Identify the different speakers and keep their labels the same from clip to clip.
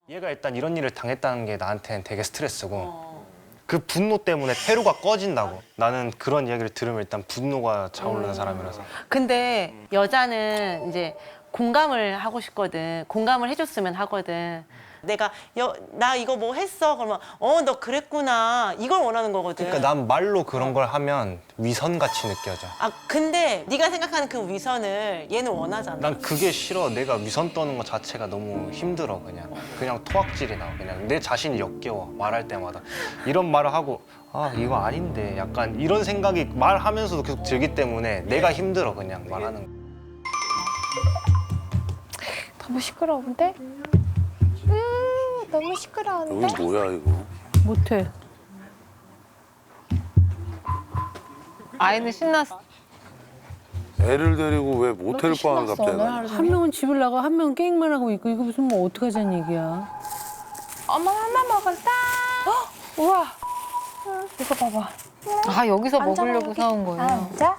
Speaker 1: 얘가 일단 이런 일을 당했다는 게 나한테는 되게 스트레스고 그 분노 때문에 회로가 꺼진다고. 나는 그런 이야기를 들으면 일단 분노가 차오르는 사람이라서.
Speaker 2: 근데 여자는 이제 공감을 하고 싶거든. 공감을 해줬으면 하거든. 내가 나 이거 뭐 했어? 그러면 너 그랬구나. 이걸 원하는 거거든.
Speaker 1: 그러니까 난 말로 그런 걸 하면 위선같이 느껴져.
Speaker 2: 아 근데 네가 생각하는 그 위선을 얘는 원하잖아.
Speaker 1: 난 그게 싫어. 내가 위선 떠는 것 자체가 너무 힘들어. 그냥 토악질이 나. 그냥 내 자신이 역겨워. 말할 때마다 이런 말을 하고 아 이거 아닌데 약간 이런 생각이 말하면서도 계속 들기 때문에 내가 힘들어. 그냥 말하는 거.
Speaker 3: 너무 시끄러운데? 너무 시끄러운데?
Speaker 4: 여기 뭐야 이거?
Speaker 5: 못해.
Speaker 6: 아이는 신났어.
Speaker 4: 애를 데리고 왜 모텔 방을 갑자기 가?
Speaker 5: 한 명은 집을 나가, 한 명은 게임만 하고 있고 이거 무슨 뭐 어떡하자는 얘기야.
Speaker 3: 엄마 하나 먹었다. 우와. 이거 봐봐.
Speaker 6: 아 여기서
Speaker 3: 앉아봐,
Speaker 6: 먹으려고
Speaker 3: 여기.
Speaker 6: 사온 거예요.
Speaker 3: 앉아.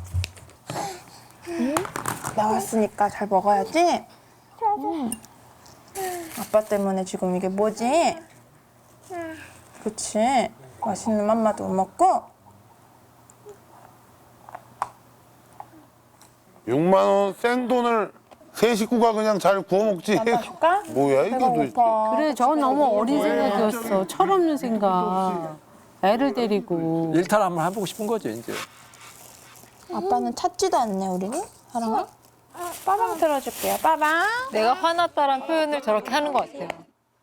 Speaker 3: 나왔으니까 잘 먹어야지. 아빠 때문에 지금 이게 뭐지? 그치? 맛있는 맘마도 못 먹고.
Speaker 4: 6만 원 생돈을 세 식구가 그냥 잘 구워 먹지.
Speaker 3: 맘마 줄까?
Speaker 4: 뭐야 이게
Speaker 3: 배가
Speaker 4: 도대체?
Speaker 3: 고파.
Speaker 5: 그래, 저 너무 어린 생각이었어. 철없는 생각. 애를 데리고.
Speaker 7: 일탈 한번 해보고 싶은 거죠 이제.
Speaker 3: 아빠는 찾지도 않네, 우리는? 사랑아? 빠방 들어줄게요, 빠방.
Speaker 6: 내가 화났다란 표현을 저렇게 하는 것 같아요.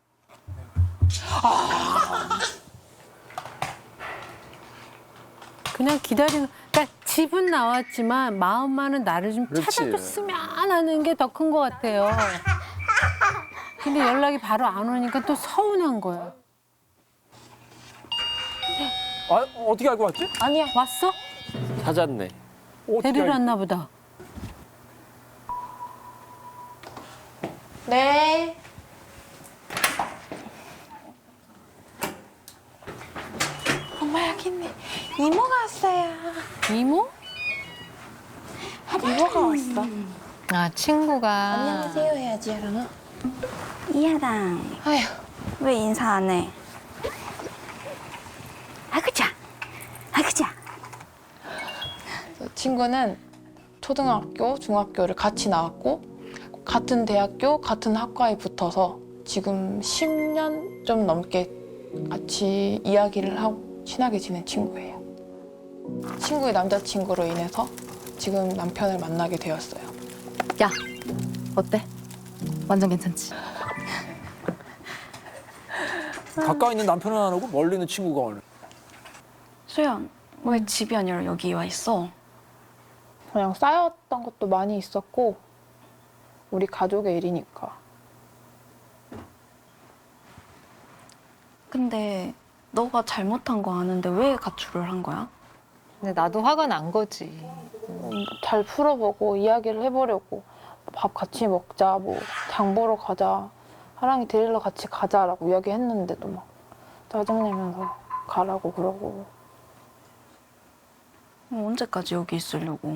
Speaker 5: 그냥 기다리는, 그러니까 집은 나왔지만 마음만은 나를 좀
Speaker 7: 그렇지.
Speaker 5: 찾아줬으면 하는 게 더 큰 것 같아요. 근데 연락이 바로 안 오니까 또 서운한 거야.
Speaker 7: 아 어떻게 알고 왔지?
Speaker 3: 아니야.
Speaker 5: 왔어?
Speaker 7: 찾았네. 어떻게
Speaker 5: 데리러
Speaker 7: 알고-
Speaker 5: 왔나 보다.
Speaker 3: 네. 엄마 여기 있네. 이모가 왔어요.
Speaker 5: 이모?
Speaker 3: 이모가 왔어.
Speaker 6: 아 친구가.
Speaker 3: 안녕하세요 해야지, 야랑아.
Speaker 8: 이하랑
Speaker 3: 아휴.
Speaker 8: 왜 인사 안 해? 아그자 아그자.
Speaker 3: 친구는 초등학교, 중학교를 같이 나왔고 같은 대학교, 같은 학과에 붙어서 지금 10년 좀 넘게 같이 이야기를 하고 친하게 지낸 친구예요. 친구의 남자친구로 인해서 지금 남편을 만나게 되었어요.
Speaker 6: 야 어때? 완전 괜찮지?
Speaker 7: 가까이 있는 남편은 안 오고 멀리 있는 친구가 오네.
Speaker 8: 소연 왜 집이 아니라 여기 와 있어?
Speaker 3: 그냥 쌓였던 것도 많이 있었고 우리 가족의 일이니까.
Speaker 8: 근데 너가 잘못한 거 아는데 왜 가출을 한 거야?
Speaker 6: 근데 나도 화가 난 거지.
Speaker 3: 잘 풀어보고 이야기를 해보려고 밥 같이 먹자, 뭐 장 보러 가자, 하랑이 데리러 같이 가자라고 이야기했는데도 막 짜증내면서 가라고 그러고.
Speaker 8: 언제까지 여기 있으려고?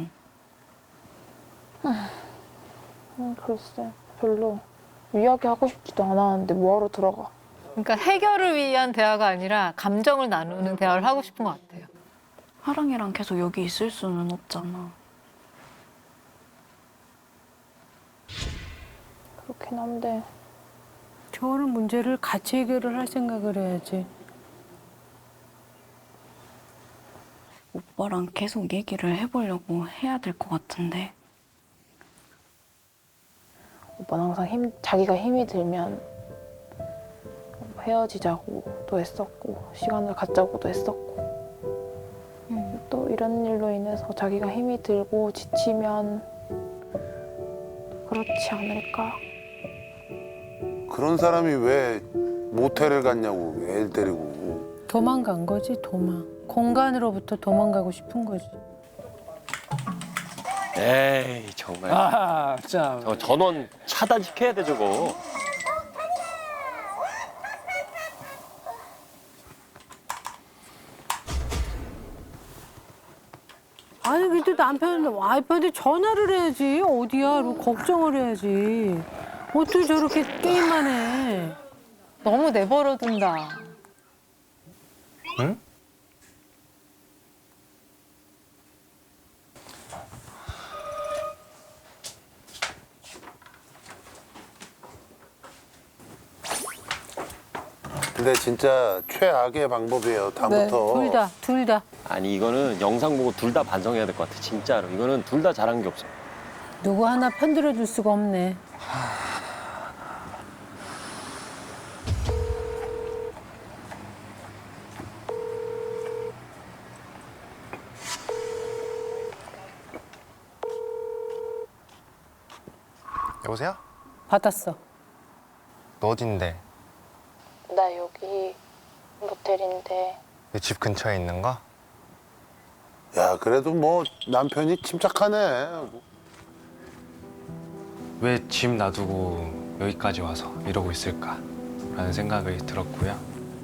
Speaker 3: 글쎄 별로 이야기하고 싶지도 않았는데 뭐하러 들어가.
Speaker 6: 그러니까 해결을 위한 대화가 아니라 감정을 나누는 대화를 하고 싶은 것 같아요.
Speaker 8: 하랑이랑 계속 여기 있을 수는 없잖아.
Speaker 3: 그렇긴 한데
Speaker 5: 저런 문제를 같이 해결을 할 생각을 해야지.
Speaker 8: 오빠랑 계속 얘기를 해보려고 해야 될 것 같은데.
Speaker 3: 오빠는 항상 자기가 힘이 들면 헤어지자고도 했었고 시간을 갖자고도 했었고 또 이런 일로 인해서 자기가 힘이 들고 지치면 그렇지 않을까.
Speaker 4: 그런 사람이 왜 모텔을 갔냐고 애를 데리고.
Speaker 5: 도망간 거지, 도망. 공간으로부터 도망가고 싶은 거지.
Speaker 9: 에이 정말
Speaker 7: 아 참.
Speaker 9: 저 전원 차단시켜야 돼 저거.
Speaker 5: 아니, 그래도 남편, 와이프한테 전화를 해야지. 어디야? 그리고 걱정을 해야지. 어떻게 저렇게 게임만 해.
Speaker 6: 너무 내버려둔다.
Speaker 1: 응?
Speaker 4: 근데 진짜 최악의 방법이에요. 다음부터.
Speaker 5: 둘 다.
Speaker 9: 아니 이거는 영상 보고 둘 다 반성해야 될 것 같아. 진짜로. 이거는 둘 다 잘한 게 없어.
Speaker 5: 누구 하나 편들어 줄 수가 없네.
Speaker 1: 여보세요?
Speaker 5: 받았어.
Speaker 1: 너 어딘데?
Speaker 3: 나 여기 모텔인데
Speaker 1: 내 집 근처에 있는 거?
Speaker 4: 야, 그래도 뭐 남편이 침착하네.
Speaker 1: 왜 집 놔두고 여기까지 와서 이러고 있을까? 라는 생각이 들었고요.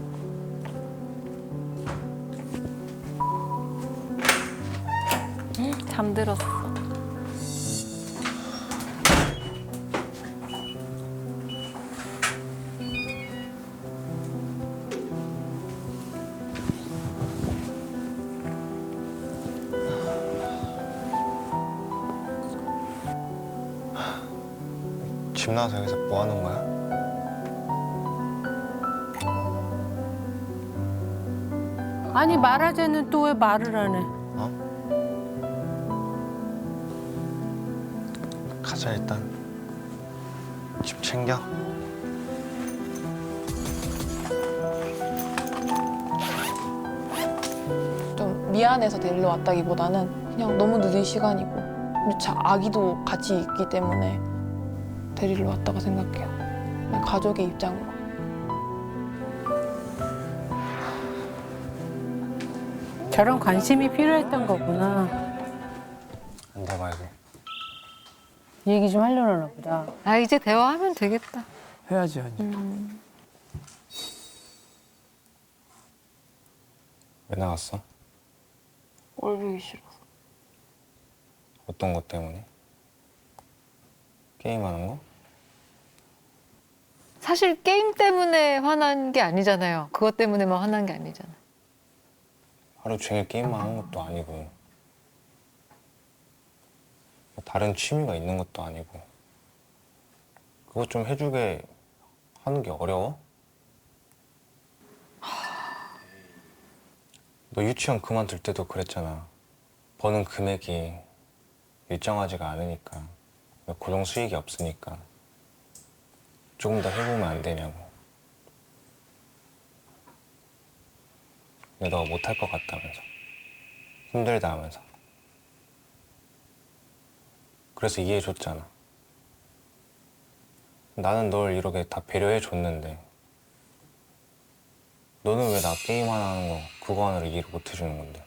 Speaker 6: 잠들었어.
Speaker 1: 집 나와서 여기서 뭐 하는 거야?
Speaker 5: 아니 말하자는 또 왜 말을 안 해?
Speaker 1: 가자 일단. 집 챙겨.
Speaker 3: 좀 미안해서 데리러 왔다기보다는 그냥 너무 늦은 시간이고 아기도 같이 있기 때문에 데리러 왔다고 생각해요. 그냥 가족의 입장으로.
Speaker 5: 저런 관심이 필요했던 거구나.
Speaker 1: 안 돼 말고.
Speaker 5: 얘기 좀 하려나 보다.
Speaker 6: 아 이제 대화하면 되겠다.
Speaker 7: 해야지 하니.
Speaker 1: 왜 나갔어?
Speaker 3: 꼴 보기 싫어서.
Speaker 1: 어떤 것 때문에? 게임하는 거?
Speaker 6: 사실 게임 때문에 화난 게 아니잖아요. 그것 때문에만 화난 게 아니잖아.
Speaker 1: 하루 종일 게임만 하는 것도 아니고 다른 취미가 있는 것도 아니고 그거 좀 해주게 하는 게 어려워? 너 유치원 그만둘 때도 그랬잖아. 버는 금액이 일정하지가 않으니까 고정 수익이 없으니까 조금 더 해보면 안 되냐고. 근데 너가 못할 것 같다면서 힘들다 하면서 그래서 이해해줬잖아. 나는 널 이렇게 다 배려해줬는데 너는 왜 나 게임 하나 하는 거 그거 하나를 이해를 못 해주는 건데.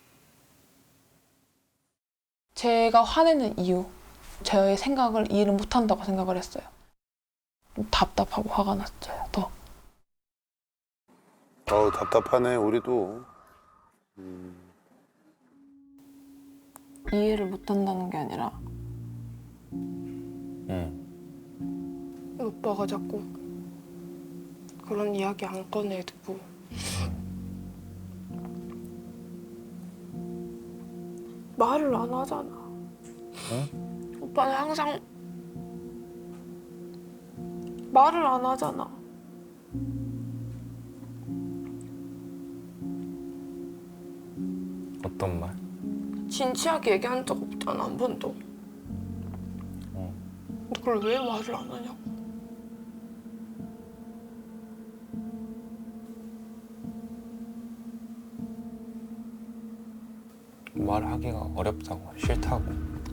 Speaker 3: 제가 화내는 이유, 저의 생각을 이해를 못한다고 생각을 했어요. 좀 답답하고 화가 났어요, 더.
Speaker 4: 답답하네, 우리도.
Speaker 3: 이해를 못한다는 게 아니라
Speaker 1: 응.
Speaker 3: 오빠가 자꾸 그런 이야기 안 꺼내두고 말을 안 하잖아.
Speaker 1: 응?
Speaker 3: 오빠는 항상 말을 안 하잖아.
Speaker 1: 어떤 말?
Speaker 3: 진지하게 얘기한 적 없잖아, 한 번도. 근데 그걸 왜 말을 안 하냐고.
Speaker 1: 말하기가 어렵다고 싫다고.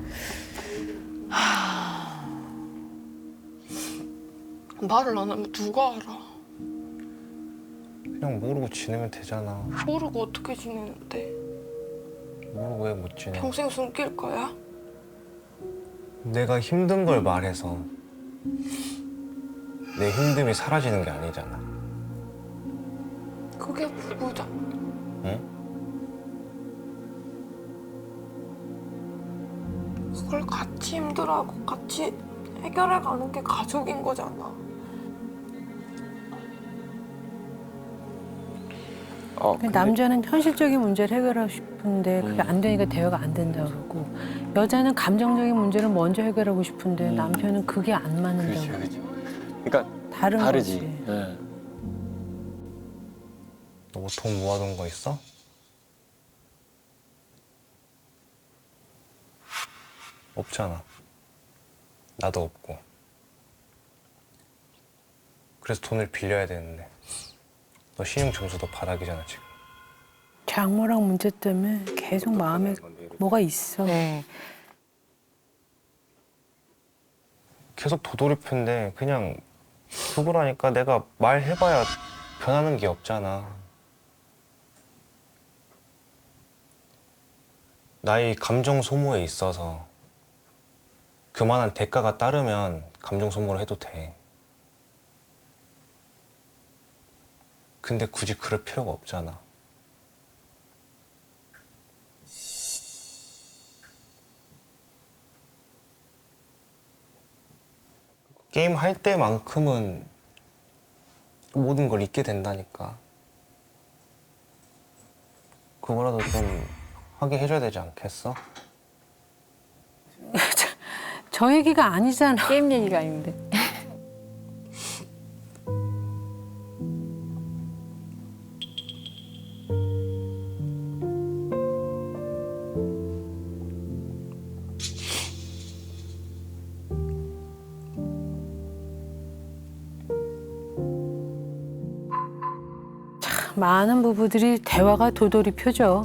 Speaker 3: 말을 안 하면 누가 알아?
Speaker 1: 그냥 모르고 지내면 되잖아.
Speaker 3: 모르고 어떻게 지내는데?
Speaker 1: 모르고 왜 못 지내?
Speaker 3: 평생 숨길 거야?
Speaker 1: 내가 힘든 걸 말해서 내 힘듦이 사라지는 게 아니잖아.
Speaker 3: 그게 부부잖아.
Speaker 1: 응?
Speaker 3: 그걸 같이 힘들어하고 같이 해결해가는 게 가족인 거잖아.
Speaker 9: 근데
Speaker 5: 남자는 현실적인 문제를 해결하고 싶은데 그게 안 되니까 대화가 안 된다고 그러고 여자는 감정적인 문제를 먼저 해결하고 싶은데 남편은 그게 안 맞는다고
Speaker 9: 그렇지. 그러니까
Speaker 5: 다른
Speaker 9: 다르지.
Speaker 5: 거지.
Speaker 9: 예.
Speaker 1: 너 뭐 돈 모아둔 거 있어? 없잖아. 나도 없고. 그래서 돈을 빌려야 되는데 너 신용 점수도 바닥이잖아 지금.
Speaker 5: 장모랑 문제 때문에 계속 마음에 뭐가 있어.
Speaker 1: 계속 도돌이표인데 그냥 그거라니까. 내가 말해봐야 변하는 게 없잖아. 나의 감정 소모에 있어서 그만한 대가가 따르면 감정 소모를 해도 돼. 근데 굳이 그럴 필요가 없잖아. 게임 할 때만큼은 모든 걸 잊게 된다니까. 그거라도 좀 하게 해줘야 되지 않겠어?
Speaker 5: 저 얘기가 아니잖아.
Speaker 6: 게임 얘기가 아닌데.
Speaker 5: 많은 부부들이 대화가 도돌이표죠.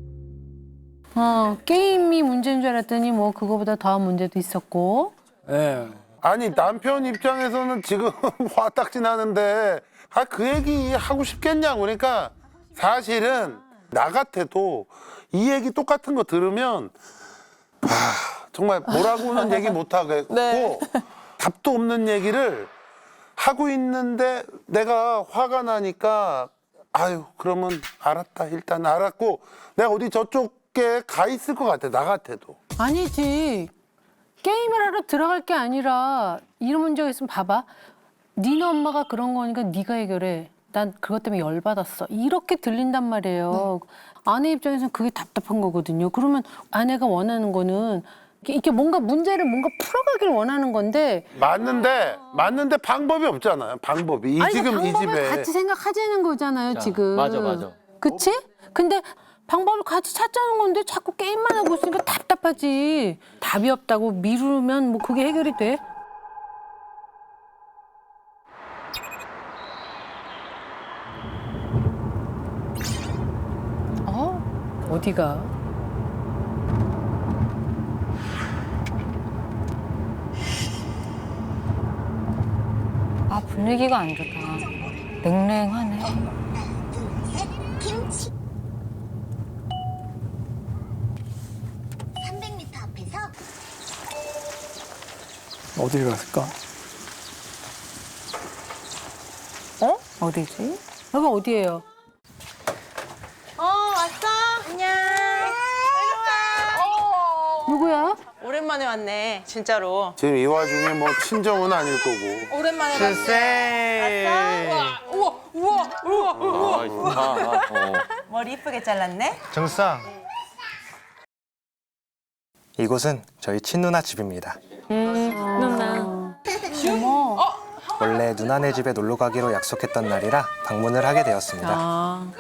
Speaker 5: 게임이 문제인 줄 알았더니 뭐 그거보다 더한 문제도 있었고.
Speaker 7: 예.
Speaker 4: 아니 남편 입장에서는 지금 화딱지 나는데 그 얘기 하고 싶겠냐고. 그러니까 사실은 나 같아도 이 얘기 똑같은 거 들으면 정말 뭐라고는 얘기 못 하겠고 답도 없는 얘기를 하고 있는데 내가 화가 나니까 아유 그러면 알았다 일단 알았고 내가 어디 저쪽에 가 있을 것 같아. 나 같아도.
Speaker 5: 아니지. 게임을 하러 들어갈 게 아니라 이런 문제가 있으면 봐봐. 니네 엄마가 그런 거니까 네가 해결해. 난 그것 때문에 열받았어. 이렇게 들린단 말이에요. 아내 입장에서는 그게 답답한 거거든요. 그러면 아내가 원하는 거는 이렇게 뭔가 문제를 뭔가 풀어가길 원하는 건데
Speaker 4: 맞는데 방법이 없잖아요. 방법이
Speaker 5: 아니,
Speaker 4: 지금 이
Speaker 5: 방법을
Speaker 4: 집에
Speaker 5: 같이 생각하자는 거잖아요,
Speaker 9: 자,
Speaker 5: 지금.
Speaker 9: 맞아.
Speaker 5: 그치? 근데 방법을 같이 찾자는 건데 자꾸 게임만 하고 있으니까 답답하지. 답이 없다고 미루면 뭐 그게 해결이 돼? 어디가?
Speaker 6: 아, 분위기가 안 좋다. 냉랭하네.
Speaker 10: 김치 300m 앞에서
Speaker 7: 어디를 갔을까?
Speaker 6: 어디지?
Speaker 5: 여기 어디예요?
Speaker 2: 왔어? 안녕.
Speaker 5: 누구야?
Speaker 2: 오랜만에 왔네, 진짜로.
Speaker 4: 지금 이 와중에 뭐 친정은 아닐 거고.
Speaker 2: 오랜만에
Speaker 1: 글쎄.
Speaker 2: 머리 이쁘게 잘랐네?
Speaker 1: 정상. 이곳은 저희 친누나 집입니다.
Speaker 6: 누나.
Speaker 1: 원래 누나네 집에 놀러 가기로 약속했던 날이라 방문을 하게 되었습니다.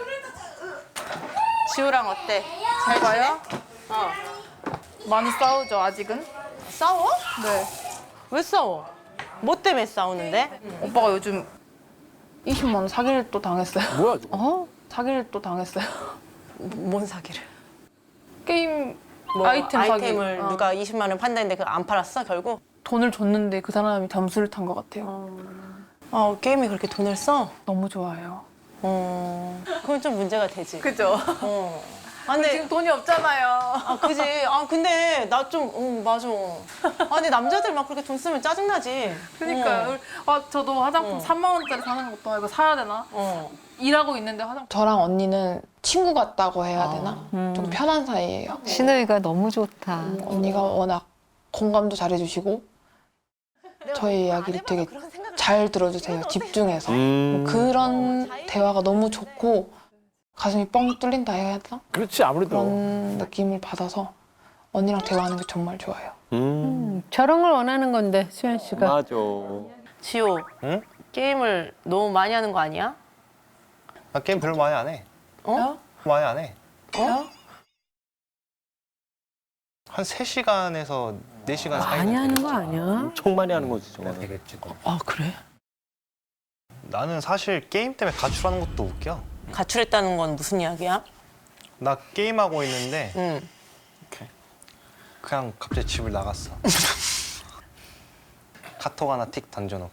Speaker 2: 지우랑 어때? 잘 봐요?
Speaker 3: 많이 싸우죠, 아직은?
Speaker 2: 싸워? 네. 왜 싸워? 뭐 때문에 싸우는데?
Speaker 3: 오빠가 요즘 20만 원 사기를 또 당했어요.
Speaker 7: 뭐야 저거?
Speaker 3: 사기를 또 당했어요.
Speaker 2: 뭔 사기를?
Speaker 3: 게임
Speaker 2: 뭐
Speaker 3: 아이템 사기.
Speaker 2: 아이템을 누가 20만 원 판다는데 그거 안 팔았어 결국?
Speaker 3: 돈을 줬는데 그 사람이 점수를 탄 것 같아요.
Speaker 2: 게임이 그렇게 돈을 써?
Speaker 3: 너무 좋아해요.
Speaker 2: 그건 좀 문제가 되지.
Speaker 3: 그죠?
Speaker 2: 아, 근데
Speaker 3: 지금 돈이 없잖아요.
Speaker 2: 그지. 근데 나 좀 맞아. 근데 남자들 막 그렇게 돈 쓰면 짜증나지.
Speaker 3: 그러니까요. 저도 화장품 3만 원짜리 사는 것도 이거 사야 되나? 일하고 있는데 화장품.
Speaker 11: 저랑 언니는 친구 같다고 해야 되나? 좀 편한 사이예요.
Speaker 6: 시누이가 너무 좋다.
Speaker 11: 언니가 워낙 공감도 잘해주시고 저희 이야기를 되게 잘 들어주세요. 집중해서. 그런 대화가 너무 좋고
Speaker 3: 가슴이 뻥 뚫린다 해야 되나?
Speaker 7: 그렇지 아무래도.
Speaker 3: 그런 느낌을 받아서 언니랑 대화하는 게 정말 좋아요.
Speaker 5: 저런 걸 원하는 건데 수현 씨가.
Speaker 9: 맞아.
Speaker 2: 지호,
Speaker 1: 응?
Speaker 2: 게임을 너무 많이 하는 거 아니야?
Speaker 1: 나 게임 별로 많이 안 해.
Speaker 2: 어?
Speaker 1: 많이 안 해.
Speaker 2: 어?
Speaker 1: 한 3시간에서 4시간 사이.
Speaker 5: 많이 하는 거 아니야?
Speaker 9: 엄청 많이 하는 거지 저거는.
Speaker 1: 되겠지.
Speaker 2: 아, 그래?
Speaker 1: 나는 사실 게임 때문에 가출하는 것도 웃겨.
Speaker 2: 가출했다는 건 무슨 이야기야?
Speaker 1: 나 게임하고 있는데
Speaker 2: 응.
Speaker 1: 그냥 갑자기 집을 나갔어. 카톡 하나 틱 던져놓고.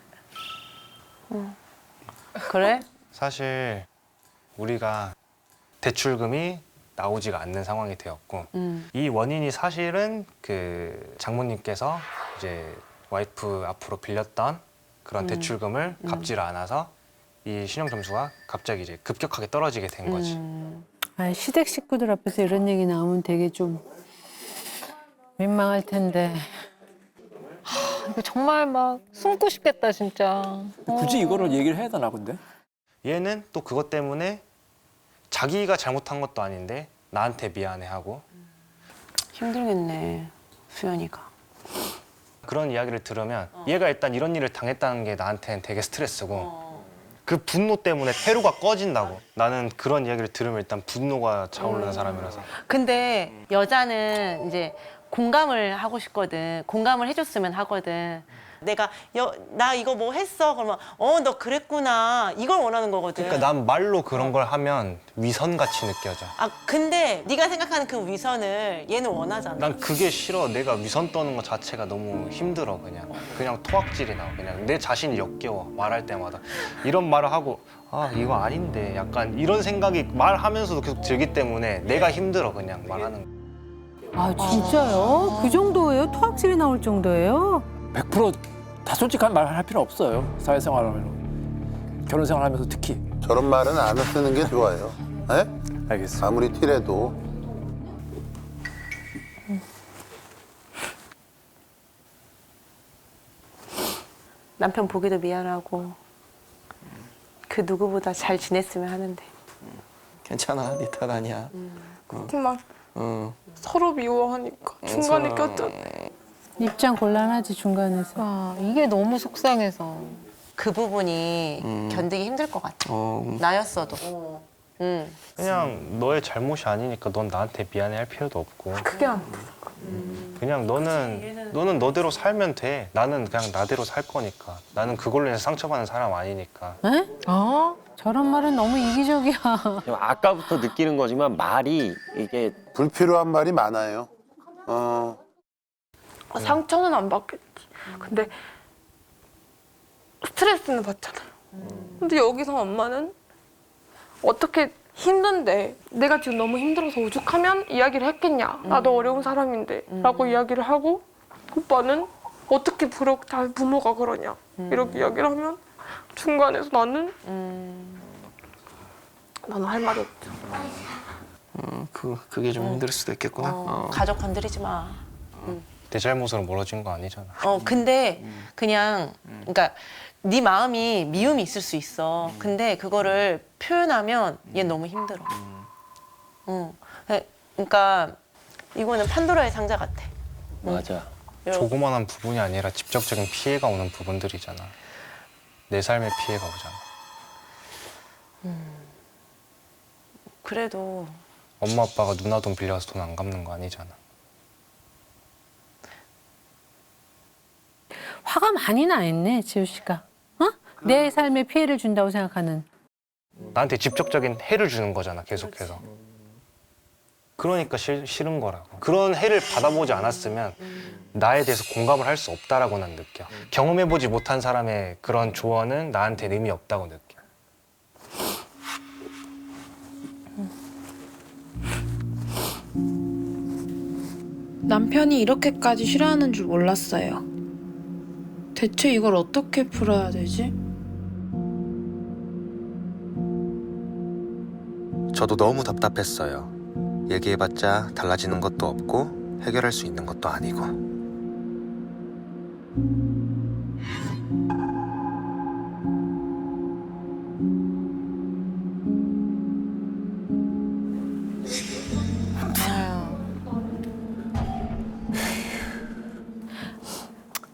Speaker 2: 그래?
Speaker 1: 사실 우리가 대출금이 나오지가 않는 상황이 되었고 이 원인이 사실은 그 장모님께서 이제 와이프 앞으로 빌렸던 그런 대출금을 갚지를 않아서 이 신용 점수가 갑자기 이제 급격하게 떨어지게 된 거지.
Speaker 5: 아, 시댁 식구들 앞에서 이런 얘기 나오면 되게 좀 민망할 텐데.
Speaker 6: 이거 정말 막 숨고 싶겠다 진짜.
Speaker 7: 굳이 이거를 얘기를 해야 되나 근데?
Speaker 1: 얘는 또 그것 때문에 자기가 잘못한 것도 아닌데 나한테 미안해하고
Speaker 2: 힘들겠네, 수연이가.
Speaker 1: 그런 이야기를 들으면 얘가 일단 이런 일을 당했다는 게 나한테는 되게 스트레스고 그 분노 때문에 회로가 꺼진다고. 나는 그런 이야기를 들으면 일단 분노가 차오르는 사람이라서.
Speaker 2: 근데 여자는 이제 공감을 하고 싶거든. 공감을 해줬으면 하거든. 내가 나 이거 뭐 했어? 그러면 너 그랬구나. 이걸 원하는 거거든.
Speaker 1: 그러니까 난 말로 그런 걸 하면 위선같이 느껴져.
Speaker 2: 아, 근데 네가 생각하는 그 위선을 얘는 원하잖아.
Speaker 1: 난 그게 싫어. 내가 위선 떠는 것 자체가 너무 힘들어. 그냥 토악질이 나와. 그냥 내 자신이 역겨워. 말할 때마다 이런 말을 하고 아 이거 아닌데 약간 이런 생각이 말하면서도 계속 들기 때문에 내가 힘들어. 그냥 말하는 거.
Speaker 5: 아 진짜요? 그 정도예요? 토악질이 나올 정도예요?
Speaker 7: 100%다 솔직한 말 할 필요 없어요. 사회생활하면 결혼 생활하면서 특히.
Speaker 4: 저런 말은 안 쓰는 게 좋아요. 예?
Speaker 7: 알겠어.
Speaker 4: 아무리 티라도.
Speaker 2: 남편 보기도 미안하고 그 누구보다 잘 지냈으면 하는데.
Speaker 10: 괜찮아, 네 탓 아니야.
Speaker 3: 막 서로 미워하니까 중간에 꼈잖아.
Speaker 5: 입장 곤란하지 중간에서.
Speaker 6: 아, 이게 너무 속상해서.
Speaker 2: 그 부분이 견디기 힘들 것 같아. 나였어도. 응.
Speaker 1: 그냥 너의 잘못이 아니니까 넌 나한테 미안해할 필요도 없고.
Speaker 3: 그게 안 돼.
Speaker 1: 그냥 너는 너대로 살면 돼. 나는 그냥 나대로 살 거니까. 나는 그걸로 인해서 상처받는 사람 아니니까.
Speaker 5: 에? 저런 말은 너무 이기적이야.
Speaker 9: 아까부터 느끼는 거지만 말이 이게
Speaker 4: 불필요한 말이 많아요.
Speaker 3: 상처는 안 받겠지. 근데 스트레스는 받잖아요. 근데 여기서 엄마는 어떻게 힘든데 내가 지금 너무 힘들어서 오죽하면 이야기를 했겠냐. 나도 어려운 사람인데 라고 이야기를 하고 오빠는 어떻게 부모가 그러냐 이렇게 이야기를 하면 중간에서 나는 할 말이 없죠.
Speaker 10: 그게 좀 힘들 수도 있겠구나.
Speaker 2: 가족 건드리지 마.
Speaker 1: 내 잘못으로 멀어진 거 아니잖아.
Speaker 2: 근데 그냥 그러니까 네 마음이 미움이 있을 수 있어. 근데 그거를 표현하면 얘 너무 힘들어. 그러니까 이거는 판도라의 상자 같아.
Speaker 9: 맞아.
Speaker 1: 조그만한 부분이 아니라 직접적인 피해가 오는 부분들이잖아. 내 삶에 피해가 오잖아.
Speaker 2: 그래도
Speaker 1: 엄마 아빠가 누나 돈 빌려서 돈 안 갚는 거 아니잖아.
Speaker 5: 화가 많이 나 있네 지우 씨가. 내 삶에 피해를 준다고 생각하는.
Speaker 1: 나한테 직접적인 해를 주는 거잖아, 계속해서. 그러니까 싫은 거라고. 그런 해를 받아보지 않았으면 나에 대해서 공감을 할 수 없다라고 난 느껴. 경험해보지 못한 사람의 그런 조언은 나한테 의미 없다고 느껴.
Speaker 11: 남편이 이렇게까지 싫어하는 줄 몰랐어요. 대체 이걸 어떻게 풀어야 되지?
Speaker 12: 저도 너무 답답했어요. 얘기해봤자 달라지는 것도 없고 해결할 수 있는 것도 아니고.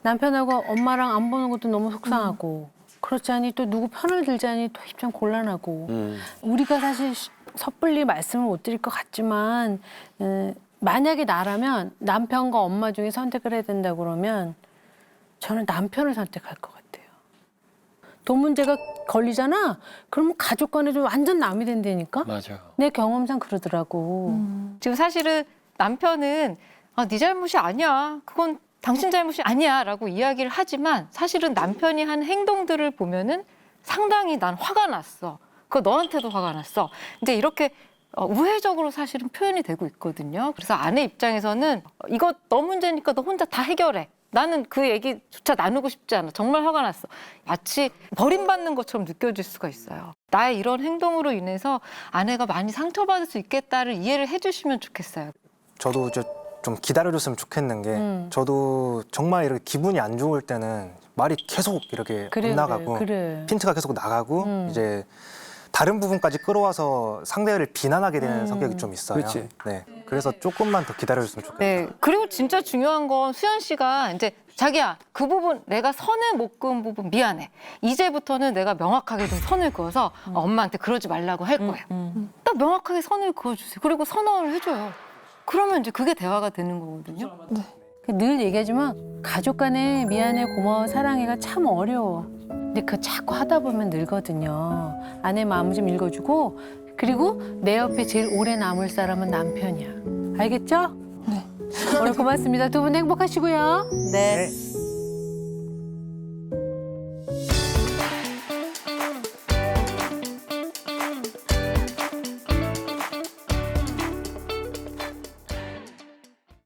Speaker 5: 남편하고 엄마랑 안 보는 것도 너무 속상하고 그렇지 않니 또 누구 편을 들자니 또 입장 곤란하고 우리가 사실 섣불리 말씀을 못 드릴 것 같지만 만약에 나라면 남편과 엄마 중에 선택을 해야 된다 그러면 저는 남편을 선택할 것 같아요. 돈 문제가 걸리잖아? 그러면 가족 간에 좀 완전 남이 된다니까?
Speaker 9: 맞아요.
Speaker 5: 내 경험상 그러더라고.
Speaker 6: 지금 사실은 남편은 네 잘못이 아니야. 그건 당신 잘못이 아니야 라고 이야기를 하지만 사실은 남편이 한 행동들을 보면은 상당히 난 화가 났어. 그거 너한테도 화가 났어. 이제 이렇게 우회적으로 사실은 표현이 되고 있거든요. 그래서 아내 입장에서는 이거 너 문제니까 너 혼자 다 해결해. 나는 그 얘기조차 나누고 싶지 않아. 정말 화가 났어. 마치 버림받는 것처럼 느껴질 수가 있어요. 나의 이런 행동으로 인해서 아내가 많이 상처받을 수 있겠다를 이해를 해주시면 좋겠어요.
Speaker 1: 저도 좀 기다려줬으면 좋겠는 게 저도 정말 이렇게 기분이 안 좋을 때는 말이 계속 이렇게 안 나가고
Speaker 5: 그래.
Speaker 1: 핀트가 계속 나가고 이제 다른 부분까지 끌어와서 상대를 비난하게 되는 성격이 좀 있어요.
Speaker 7: 그렇지.
Speaker 1: 네, 그래서 조금만 더 기다려줬으면 좋겠어요.
Speaker 6: 네. 그리고 진짜 중요한 건 수연 씨가 이제 자기야 그 부분 내가 선을 못 그은 부분 미안해. 이제부터는 내가 명확하게 좀 선을 그어서 엄마한테 그러지 말라고 할 거야. 딱 명확하게 선을 그어주세요. 그리고 선언을 해줘요. 그러면 이제 그게 대화가 되는 거거든요.
Speaker 5: 늘 얘기하지만 가족 간에 미안해, 고마워, 사랑해가 참 어려워. 근데 그거 자꾸 하다 보면 늘거든요. 아내 마음 좀 읽어주고 그리고 내 옆에 제일 오래 남을 사람은 남편이야. 알겠죠? 네. 오늘 고맙습니다. 두 분 행복하시고요.
Speaker 2: 네.